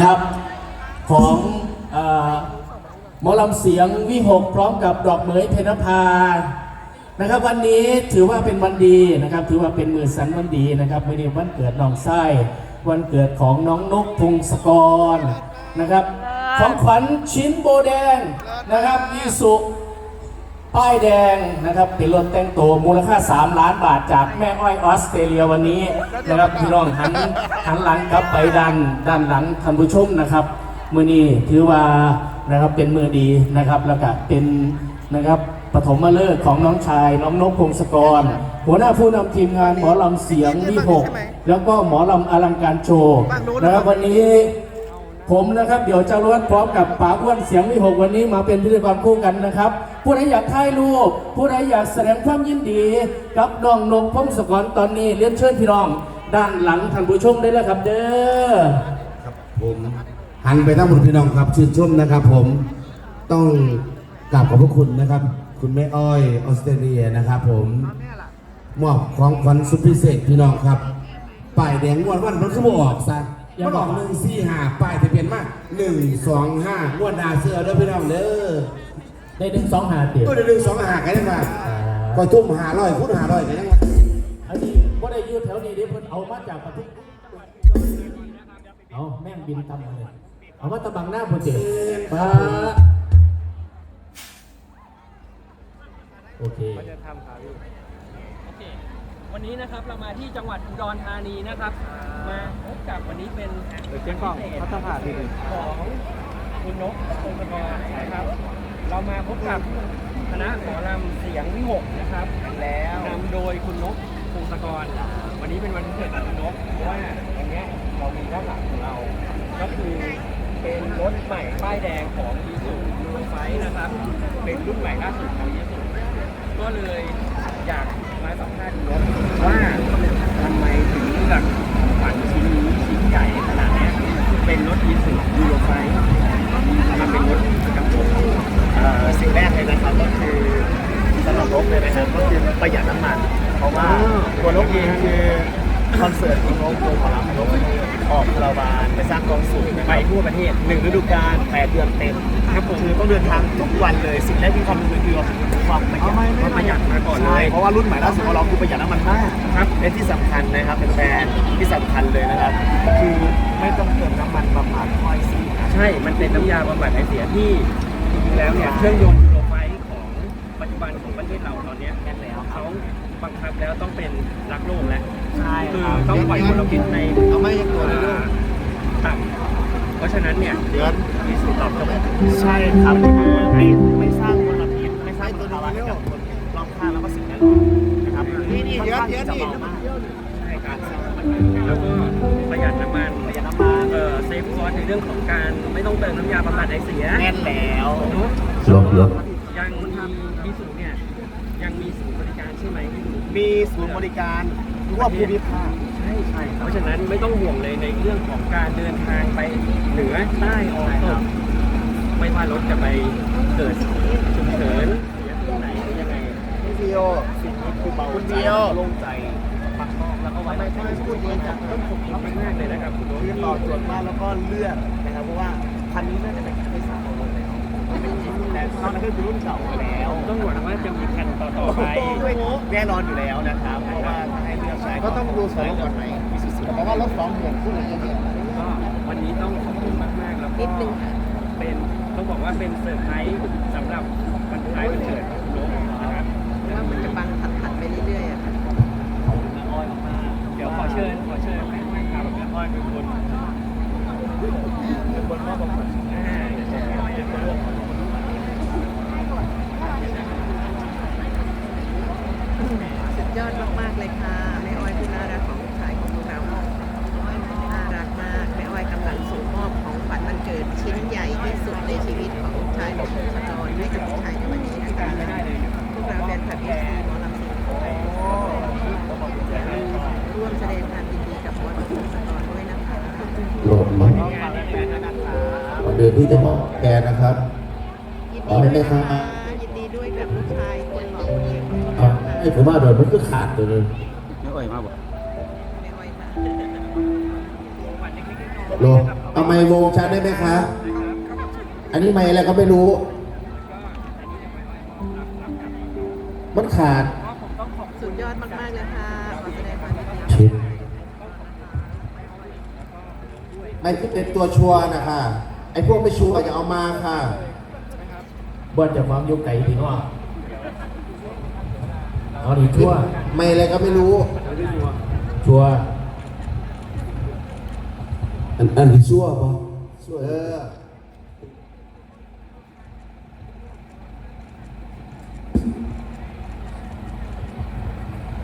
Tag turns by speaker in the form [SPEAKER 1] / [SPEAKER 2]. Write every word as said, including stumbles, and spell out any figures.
[SPEAKER 1] นะครับของหมอลำเสียงวิหกพร้อมกับดอกเหมยเพญนภานะครับวันนี้ถือว่าเป็นวันดีนะครับถือว่าเป็นมือสันวันดีนะครับไม่ได้วันเกิดน้องไส้วันเกิดของน้องนกพงศกรนะครับของขวัญชิ้นโบแดงนะครับอีสุป้ายแดงนะครับเป็นรถแต่งตัวมูลค่าสามล้านบาทจากแม่อ้อยออสเตรเลียวันนี้นะครับพี่น้องหันหันหลังกลับไปด้านด้านหลังท่านผู้ชมนะครับมือนี้ถือว่านะครับเป็นมือดีนะครับแล้วก็เป็นนะครับปฐมฤกษ์ของน้องชายน้องนกพงศกรหัวหน้าผู้นำทีมงานหมอลำเสียงวิหกแล้วก็หมอลำอลังการโชว์นะครับวันนี้ผมนะครับเดี๋ยวจะรวดพร้อมกับป๋าอ้วนเสียงวิหกวันนี้มาเป็นพิธีกรคู่กันนะครับผู้ใดอยากถ่ายรูปผู้ใดอยากแสดงความยินดีกับน้องนกพงศกรตอนนี้เรียนเชิญพี่น้องด้านหลังท่านผู้ชมได้แล้วครับเด้อ
[SPEAKER 2] ครับผมหันไปทั้งหมดพี่น้องครับชื่นชมนะครับผมต้องกราบขอบพระคุณนะครับคุณแม่อ้อยออสเตรเลียนะครับผมมอบของขวัญสุดพิเศษพี่น้องครับป้ายแดงงวดวันมันคือบ่ออกซะมันออกหนึ่งสี่ห้าป้ายทะเบียนมาหนึ่งสองห้างวดนาเสื้อเด้อพี่น้องเด้อ
[SPEAKER 1] ได้หนึ่งสองห้าเตี๋ยว
[SPEAKER 2] ก็ได้หนึ่งสองห้ากันยังไงก็ทุ่มหาร้อยคูณหาร้อยกันยังไง
[SPEAKER 1] อันนี้ว่าได้ยืดแถวนี้เดี๋ยวเพิ่นเอามาจากประเทศเอาแม่งบินตำเลยเอามาตะบังหน้าโปรเจกต์มาโอเค
[SPEAKER 3] วันนี้นะครับเรามาที่จังหวัดอุดรธานีนะครับมาพบกับวันนี้เป็น
[SPEAKER 4] เจ้าของพัฒนาที่หนึ่ง
[SPEAKER 3] ของคุณนกพงศกรนะครับเรามาพบกับคณะหมอลำเสียงวิหกนะครับแล้วนำโดยคุณนกพงศกรวันนี้เป็นวันพิเศษของคุณนกเพราะว่าวันนี้เรามีด้านหลังของเราก็คือเป็นรถใหม่ป้ายแดงของอีซูซูไฟนะครับเป็นรุ่นใหม่ล่าสุดของอีซูก็เลยอยากมาสัมภาษณ์คุณนกว่าทำไมถึงเลือกฝันชิ้นนี้ชิ้นใหญ่ขนาดนี้เป็นรถอีซูซูไฟมาเป็นรถกระบะสิ่งแรกเลยนะครับก็คือสำหรับนกเลยนะครับก็คือประหยัดน้ำมันเพราะว่าตัวนกเองคือคอนเสิร์ตของนกตัวของเรานกออกคาราบานไปสร้างกองสูงไปทั่วประเทศหนึ่งฤดูกาลแปดเดือนเต็มครับคือต้องเดินทางทุกวันเลยสิ่งแรกที่ความรู้คือความประหยัดความประหยัดมาก่อนเลยเพราะว่ารุ่นใหม่ล่าสุดของเราคือประหยัดน้ำมันมากครับและที่สำคัญนะครับเป็นแบรนด์ที่สำคัญเลยนะครับคือไม่ต้องเติมน้ำมันบำบัดไอเสียใช่มันเป็นน้ำยาบำบัดไอเสียที่จริงๆแล้วเนี่ยเครื่องยนต์ยูโรไฟของปัจจุบันของประเทศเราตอนนี้แน่นแล้วเขาบังคับแล้วต้องเป็นรักโลกแล้วใช่คือต้องปล่อยมลพิษใน
[SPEAKER 4] เอาไม่ยังตัวเลย
[SPEAKER 3] ต่ำเพราะฉะนั้นเนี่ย
[SPEAKER 4] เดือน
[SPEAKER 3] มีสูตรตอบโจทย์
[SPEAKER 4] ใช่ครับไม่ไม่สร้างมลพิษไม่สร้างตัวภาวะให้กับคนรอบข้างแล้วก็สิ่งแวดล้อมนะครับนี่นี่เดือนเดือนนี่
[SPEAKER 3] ใช่การสร้างแล้วก็ประหยัดน้ำมัน
[SPEAKER 4] ประหยัดน้ำมัน
[SPEAKER 3] เอ่อเซฟคอร์สในเรื่องของการไม่ต้องเติมน้ำยาบำบัดไอเสีย
[SPEAKER 4] แน่นแล้ว
[SPEAKER 3] เนาะยังมีสูตรเนี่ยยังมีศูนย์บริการใช่ไหม
[SPEAKER 4] มีศูนย์บริการทั่วภูมิภาค
[SPEAKER 3] ใช่ใช่เพราะฉะนั้นไม่ต้องห่วงเลยในเรื่องของการเดินทางไปเหนือใต้ออกตกไม่ว่ารถจะไปเกิดฉุกเฉินที่ไหนยังไง
[SPEAKER 4] คุณเดียวสิ่งนี้คือเบา
[SPEAKER 3] คุณเดียวโล่งใจปักมองแล้วก็ไว้ไม่ไม่พูดเยอะจังต้องขอบคุณมากเลยนะครับคุณโน้ต
[SPEAKER 4] ที่ต่อตรวจมากแล้วก็เลือกนะครับเพราะว่าคันนี้น่าจะเป็นคันที่สามของโลกแล้วแต่ตอนนั้นก็คือรุ่นเก่าแล้ว
[SPEAKER 3] ต้องหวังว่าจะมีคันต่อๆไป
[SPEAKER 4] แน่นอนอยู่แล้วนะครับเพราะว่าถ้าให้เลือกใช้ก็ต้องดูสองก่อนไหมเพราะว่ารถสองห่วงคู่เลยเยอะ
[SPEAKER 3] ๆก็วันนี้ต้องขอบคุณมากๆแล้วก็เป็นต้องบอกว่าเป็นเซอร์ไพรส์สำหรับวันคล้ายวันเกิดของคุณโน้ตนะครับ
[SPEAKER 5] ว่ามันจะบังถัดๆไปเรื่อยๆอ่ะ
[SPEAKER 3] ขอบคุณแม่อ้อยมากเดี๋ยวขอเชิญขอเชิญแม่อ้อยครับแม่อ้อยเป็นคนเป็นคนมอบบางคนอ่าเดี๋ยวแม่อ้อยจะร่วม
[SPEAKER 5] สุดยอดมากๆเลยค่ะแม่อ้อยที่น่ารักของลูกชายของพวกเราน่ารักมากแม่อ้อยกำลังส่งมอบของขวัญวันเกิดชิ้นใหญ่ที่สุดในชีวิตของลูกชายของคุณชนนให้กับลูกชายในวันนี้นะคะพวกเราแฟนคลับเอฟซีหมอลำเสียงร่วมแสดงความยินดีกับหมอลำเสียงสกอด้วยนะคะ
[SPEAKER 2] โหลดมันเดือนที่จะบอกแกนะครับ
[SPEAKER 5] ยินดีด้วยค่ะยินดีด้วยกับลูกชายคนหล่อคนนี้
[SPEAKER 2] ไอ้ผมว่าโดนมันก็ขาดเลย
[SPEAKER 4] ไม่อ่อยมากบ่
[SPEAKER 5] ไม่อ่อยมาก
[SPEAKER 2] โลเอาไมค์วงชัดได้ไหมคะ อันนี้ไมค์อะไรก็ไม่รู้ มันขาด
[SPEAKER 5] สุดยอดมากๆเลยค่ะขอแสดงความยินดี
[SPEAKER 2] ชิดไม่ที่เป็นตัวชัวร์นะคะ ไอ้พวกไม่ชัวร์อย่าเอามาค่ะ
[SPEAKER 1] บนจากความยุคไก่ถึงว่าเอาดีชั่ว
[SPEAKER 2] ไม่อะไรก็ไม่รู้
[SPEAKER 1] ชัวร์
[SPEAKER 2] อันอันที่ชัวร์ปะชัวร์เออ